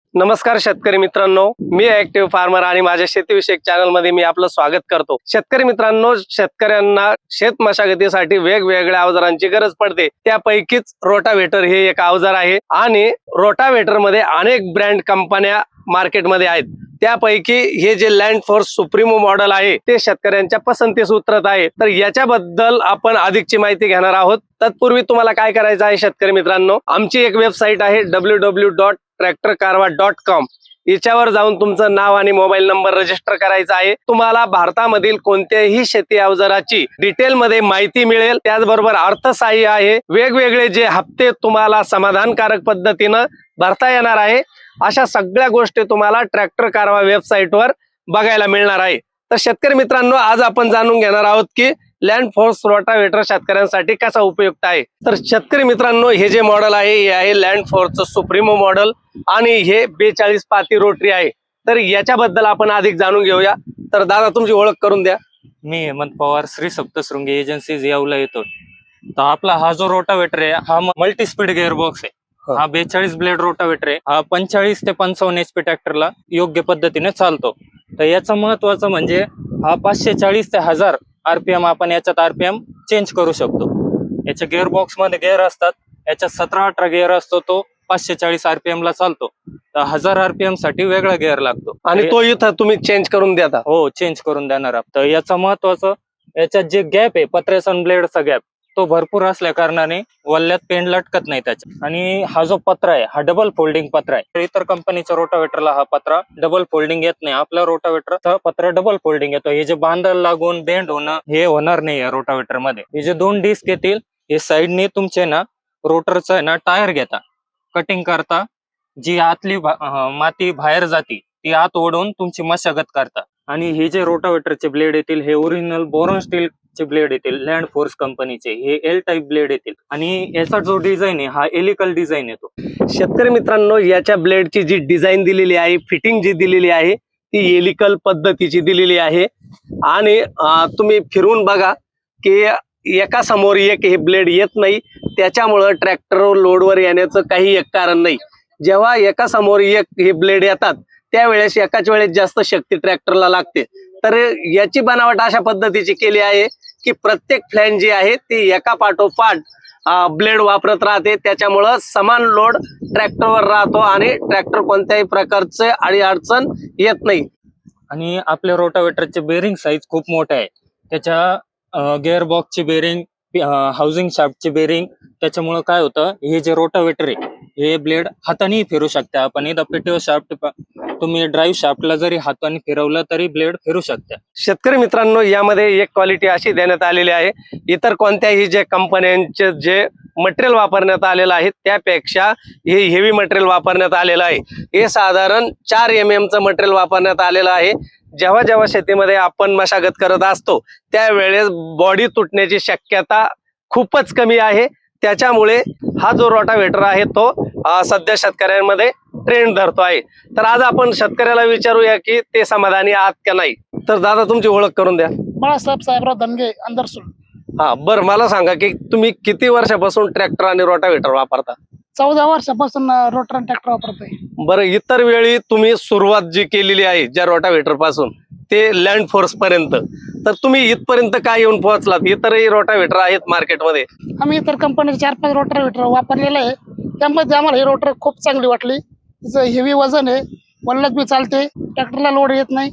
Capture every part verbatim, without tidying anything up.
नमस्कार शेतकरी मित्रांनो, मी ऍक्टिव्ह फार्मर आणि माझ्या शेतीविषयक चॅनल मध्ये मी आपलं स्वागत करतो। शेतकरी मित्रांनो, शेतकऱ्यांना शेत मशागतीसाठी वेगवेगळ्या अवजारांची गरज पडते, त्यापैकीच रोटावेटर हे एक अवजार आहे आणि रोटावेटर मध्ये अनेक ब्रँड कंपन्या मार्केटमध्ये आहेत। त्यापैकी हे जे लँड फोर्स सुप्रीमो मॉडेल आहे ते शेतकऱ्यांच्या पसंतीस उतरत आहे। तर याच्याबद्दल आपण अधिकची माहिती घेणार आहोत। तत्पूर्वी तुम्हाला काय करायचं आहे शेतकरी मित्रांनो, आमची एक वेबसाईट आहे W W W dot tractor Karva dot com. याच्यावर जाऊन तुमचं नाव आणि मोबाईल नंबर रजिस्टर करायचा आहे। तुम्हाला भारतामधील कोणत्याही शेती अवजाराची डिटेल मध्ये माहिती मिळेल, त्याचबरोबर अर्थसहाय्य आहे। वेगवेगळे जे हप्ते तुम्हाला समाधानकारक पद्धतीनं भरता येणार आहे, अशा सगळ्या गोष्टी तुम्हाला ट्रॅक्टर कारवा वेबसाईटवर बघायला मिळणार आहे। तर शेतकरी मित्रांनो, आज आपण जाणून घेणार आहोत की लँड फोर्स रोटावेटर शेतकऱ्यांसाठी कसा उपयुक्त आहे। तर शेतकरी मित्रांनो, हे जे मॉडेल आहे हे आहे लँड फोर्सचं सुप्रीमो मॉडेल आणि हे बेचाळीस पाती रोटरी आहे। तर याच्याबद्दल आपण अधिक जाणून घेऊया। तर दादा, तुमची ओळख करून द्या। मी हेमंत पवार, श्री सप्तशृंगी एजन्सीज यावला येतो। तर आपला हा जो रोटावेटर आहे हा मल्टी स्पीड गिअर बॉक्स आहे। हा बेचाळीस ब्लेड रोटावेटर आहे। हा पंचेचाळीस ते पंचावन्न एचपी ट्रॅक्टरला योग्य पद्धतीने चालतो। तर याचं महत्वाचं म्हणजे हा पाचशे चाळीस ते हजार आरपीएम आपण याच्यात आरपीएम चेंज करू शकतो। याच्या गिअर बॉक्स मध्ये गिअर असतात, याच्यात सतरा अठरा गिअर असतो, तो पाचशे चाळीस आरपीएम ला चालतो। तर हजार आरपीएम साठी वेगळा गिअर लागतो आणि तो इथं तुम्ही चेंज करून देता? हो, चेंज करून देणार आहात। तर याचं महत्वाचं, याच्यात जे गॅप आहे पत्र्याचा आणि ब्लेडचा गॅप तो भरपूर असल्या कारणाने वल्ल्यात पेंड लटकत नाही त्याच्या। आणि हा जो पत्रा आहे हा डबल फोल्डिंग पत्रा आहे। तर इतर कंपनीच्या रोटावेटरला हा पत्रा डबल फोल्डिंग येत नाही, आपल्या रोटावेटरचा पत्रा डबल फोल्डिंग येतो। हे जे बांधायला लागून बेंड होणं हे होणार नाही या रोटावेटर मध्ये। हे जे दोन डिस्क येतील हे साईडने तुमचे ना रोटरचा आहे ना टायर घेता, कटिंग करता, जी आतली माती बाहेर जाती ती आत ओढून तुमची मशागत करता। आणि हे जे रोटावेटरचे ब्लेड येतील हे ओरिजिनल बोरॉन स्टील चे ब्लेड येतील, लँड फोर्स कंपनीचे। हे एल टाइप ब्लेड येतील आणि याचा जो डिझाईन आहे हा एलिकल डिझाईन येतो। शेतकरी मित्रांनो, याच्या ब्लेडची जी डिझाईन दिलेली आहे, फिटिंग जी दिलेली आहे ती एलिकल पद्धतीची दिलेली आहे। आणि तुम्ही फिरून बघा की एका समोर एक हे ब्लेड येत नाही, त्याच्यामुळं ट्रॅक्टर लोडवर येण्याचं काही एक कारण नाही। जेव्हा एका समोर एक हे ब्लेड येतात त्यावेळेस एकाच वेळेस जास्त शक्ती ट्रॅक्टरला लागते। तर याची बनावट अशा पद्धतीची केली आहे की प्रत्येक फ्लॅंज जी आहे ती एका पाठोपाठ ब्लेड वापरत राहते, त्याच्यामुळं समान लोड ट्रॅक्टरवर राहतो आणि ट्रॅक्टर कोणत्याही प्रकारचे अडी अडचण येत नाही। आणि आपल्या रोटावेटरचे बेरिंग साईज खूप मोठे आहे, त्याच्या गिअर बॉक्सची बेरिंग, हाऊसिंग शाफ्टची बेरिंग, त्याच्यामुळे काय होतं, हे जे रोटावेटर आहे हे ब्लेड हाताने फिरू शकते आपण। इथं पीटीओ शाफ्ट तुम्ही ड्राईव्ह शाफ्टला जरी हाताने फिरवलं तरी ब्लेड फिरू शकते। शेतकरी मित्रांनो, यामध्ये एक क्वालिटी अशी देण्यात आलेली आहे, इतर कोणत्याही जे कंपन्यांचे जे मटेरियल वापरण्यात आलेलं आहे त्यापेक्षा हे हेवी मटेरियल वापरण्यात आलेलं आहे। हे साधारण चार एम एम चं मटेरियल वापरण्यात आलेलं आहे। जेव्हा जेव्हा शेतीमध्ये आपण मशागत करत असतो त्यावेळेस बॉडी तुटण्याची शक्यता खूपच कमी आहे, त्याच्यामुळे हा जो रोटावेटर आहे तो सध्या शेतकऱ्यांमध्ये ट्रेंड धरतो आहे। तर आज आपण शेतकऱ्याला विचारूया की ते समाधानी आहात का नाही। तर दादा, तुमची ओळख करून द्या। बाळासाहेब साहेबराव धनगे, अंदरसूल। हा, बरं, मला सांगा की तुम्ही किती वर्षापासून ट्रॅक्टर आणि रोटावेटर वापरता? चौदा वर्षापासून रोटर ट्रॅक्टर वापरतोय। बरं, इतर वेळी तुम्ही सुरुवात जी केलेली आहे ज्या रोटावेटर पासून ते लँड फोर्स पर्यंत, तर तुम्ही इथपर्यंत काय येऊन पोहोचलात? इतरही रोटावेटर आहेत मार्केटमध्ये, आम्ही इतर कंपनीचे चार पाच रोटावेटर वापरलेले आहे, त्यामध्ये आम्हाला हे रोटर खूप चांगली वाटली। तिचं हेवी वजन आहे, वल्लत बी चालते, ट्रॅक्टरला लोड येत नाही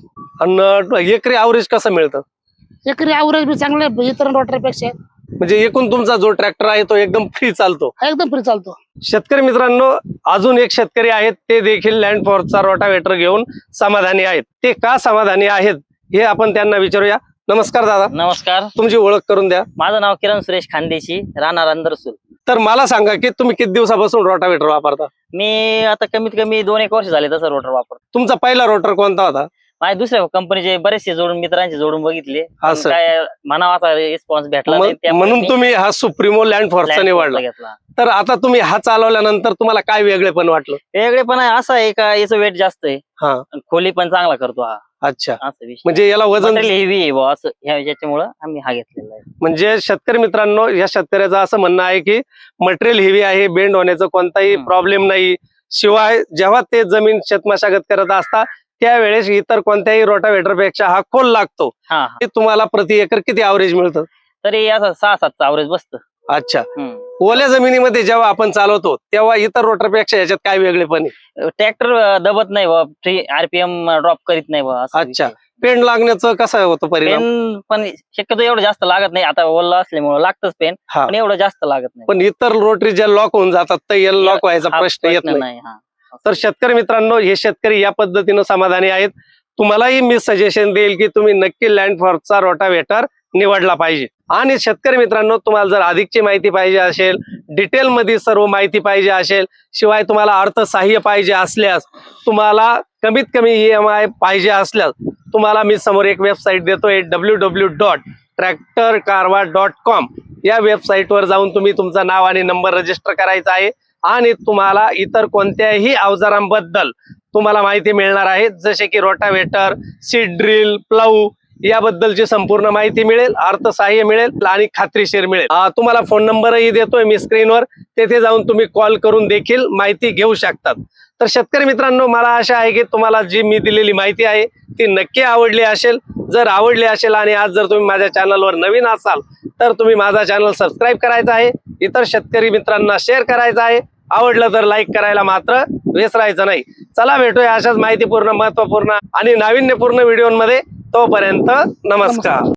आणि एकरी ॲव्हरेज कसं मिळतं? एकरी ॲव्हरेज बी चांगलं आहे इतर रोटरपेक्षा। म्हणजे एकूण तुमचा जो ट्रॅक्टर आहे तो एकदम फ्री चालतो? एकदम फ्री चालतो। शेतकरी मित्रांनो, अजून एक शेतकरी आहेत, ते देखील लँड फोर्सचा रोटावेटर घेऊन समाधानी आहेत। ते का समाधानी आहेत हे आपण त्यांना विचारूया। नमस्कार दादा। नमस्कार, तुमची ओळख करून द्या। माझं नाव किरण सुरेश खानदेशी, राहणार अंदरसूल। तर मला सांगा की तुम्ही किती दिवसापासून रोटावेटर वापरता? मी आता कमीत कमी दोन एक वर्ष झाले तसं रोटर वापरतो। तुमचा पहिला रोटर कोणता होता? माझ्या दुसऱ्या कंपनीचे बरेचसे जोडून मित्रांचे जोडून बघितले, हा, पण सर. काय म्हणावा रिस्पॉन्स भेटला नाही, त्यामुळे म्हणून मी तुम्ही हा सुप्रीमो लँड फोर्सचा Land निवडला। Force घेतला। तर आता तुम्ही हा चालवल्यानंतर तुम्हाला काय वेगळेपण वाटलं? वेगळेपण आहे असं आहे का याचं वेट जास्त आहे, हा, आणि खोली पण चांगला करतो हा, अच्छा। असं विषय। म्हणजे याला वजन हेवी आहे बुवा, असं याच्यामुळे आम्ही हा घेतलेला आहे। म्हणजे शेतकरी मित्रांनो, या शेतकऱ्याचं असं म्हणणं आहे की मटेरियल हेवी आहे, बेंड होण्याचा कोणताही हम्म. प्रॉब्लेम नाही, शिवाय जेव्हा ते जमीन शेतमशागत करत असता त्यावेळेस इतर कोणत्याही रोटावेटर पेक्षा हा खोल लागतो. हा हा ते तुम्हाला प्रति एकर किती ॲव्हरेज मिळतं? तरी असं सहा सातचं अवरेज बसतं. अच्छा. हम्म. ओल्या जमिनीमध्ये जेव्हा आपण चालवतो तेव्हा इतर रोटरपेक्षा याच्यात काय वेगळेपण आहे? ट्रॅक्टर दबत नाही बा, फ्री आरपीएम ड्रॉप करीत नाही बा. असं अच्छा. विषय. पेंड लागण्याचं कसं होतं परिणाम? पेन पण शक्यतो एवढं जास्त लागत नाही. आता ओला असल्यामुळे लागतच पेन, हा. पण एवढं जास्त लागत नाही. पण इतर रोटरी ज्या लॉक होऊन जातात तर याला लॉक व्हायचा हा प्रश्न येत नाही. नाही. हा. तर शेतकरी मित्रांनो, हे शेतकरी या पद्धतीनं समाधानी आहेत. तुम्हालाही मी सजेशन देईल की तुम्ही नक्की लँडफॉर्सचा रोटावेटर निवडला पाहिजे. आणि शेतकरी मित्रांनो, तुम्हाला जर अधिकची माहिती पाहिजे असेल, डिटेल मध्ये सर्व माहिती पाहिजे असेल, शिवाय तुम्हाला अर्थसहाय्य पाहिजे असल्यास, तुम्हाला कमीत कमी ई एम आय पाहिजे असल्यास, तुम्हाला मी समोर एक वेबसाईट देतोय W W dot tractor Karva dot com. या वेबसाईटवर जाऊन तुम्ही तुमचं नाव आणि नंबर रजिस्टर करायचा आहे आणि तुम्हाला इतर कोणत्याही अवजारांबद्दल तुम्हाला माहिती मिळणार आहे, जसे की रोटावेटर, सीड ड्रिल, प्लाऊ याबद्दलची संपूर्ण माहिती मिळेल, अर्थसहाय्य मिळेल आणि खात्रीशीर मिळेल. आ, तुम्हाला फोन नंबरही देतोय मी स्क्रीनवर, तेथे जाऊन तुम्ही कॉल करून देखील माहिती घेऊ शकतात. तर शेतकरी मित्रांनो, मला आशा आहे की तुम्हाला जी मी दिलेली माहिती आहे ती नक्की आवडली असेल. जर आवडली असेल आणि आज जर तुम्ही माझ्या चॅनलवर नवीन असाल तर तुम्ही माझा चॅनल सबस्क्राईब करायचा आहे, इतर शेतकरी मित्रांना शेअर करायचा आहे, आवडलं तर लाईक करायला मात्र विसरायचं नाही. चला भेटूया अशाच माहितीपूर्ण, महत्वपूर्ण आणि नाविन्यपूर्ण व्हिडिओमध्ये. तोपर्यंत नमस्कार.